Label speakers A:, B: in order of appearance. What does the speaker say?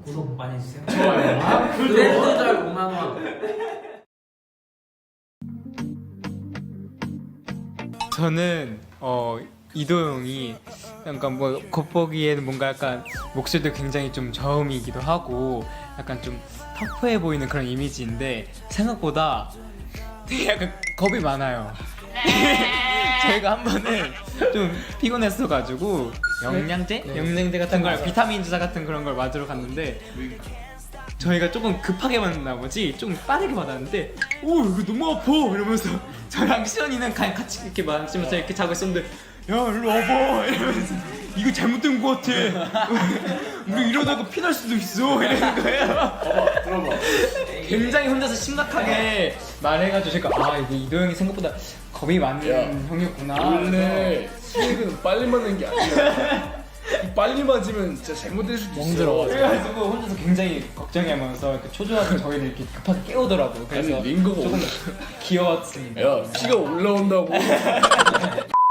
A: 구독 많이 해주세요.
B: 좋아요.
A: 브랜드절 5만원.
C: 저는 이도영이 약간 뭐 겉보기에는 뭔가 약간 목소리도 굉장히 좀 저음이기도 하고 약간 좀 터프해 보이는 그런 이미지인데 생각보다 되게 약간 겁이 많아요. 저희가 한 번은 좀 피곤했어가지고 영양제 같은 걸 비타민 주사 같은 그런 걸 맞으러 갔는데 저희가 조금 급하게 맞나 보지 좀 빠르게 맞았는데 오 이거 너무 아파 이러면서 저랑 시연이는 같이 이렇게 맞으면서 이렇게 자고 있었는데 야 일로 와봐 이러면서 이거 잘못된 거 같아 우리 이러다가 피날 수도 있어 이러는 거예요.
B: 들어봐.
C: 굉장히 혼자서 심각하게 말해가지고 제가 아 이게 이도영이 생각보다 겁이 많은 형이었구나.
B: 원래 수익은 빨리 맞는 게 아니야. 빨리 맞으면 진짜 잘못될 수도 있어.
C: 그래가지고 혼자서 굉장히 걱정하면서 이렇게 초조하게 저희를 이렇게 급하게 깨우더라고요. 그래서
B: 아니, 링거가
C: 조금 귀여웠습니다.
B: 야, 피가 올라온다고.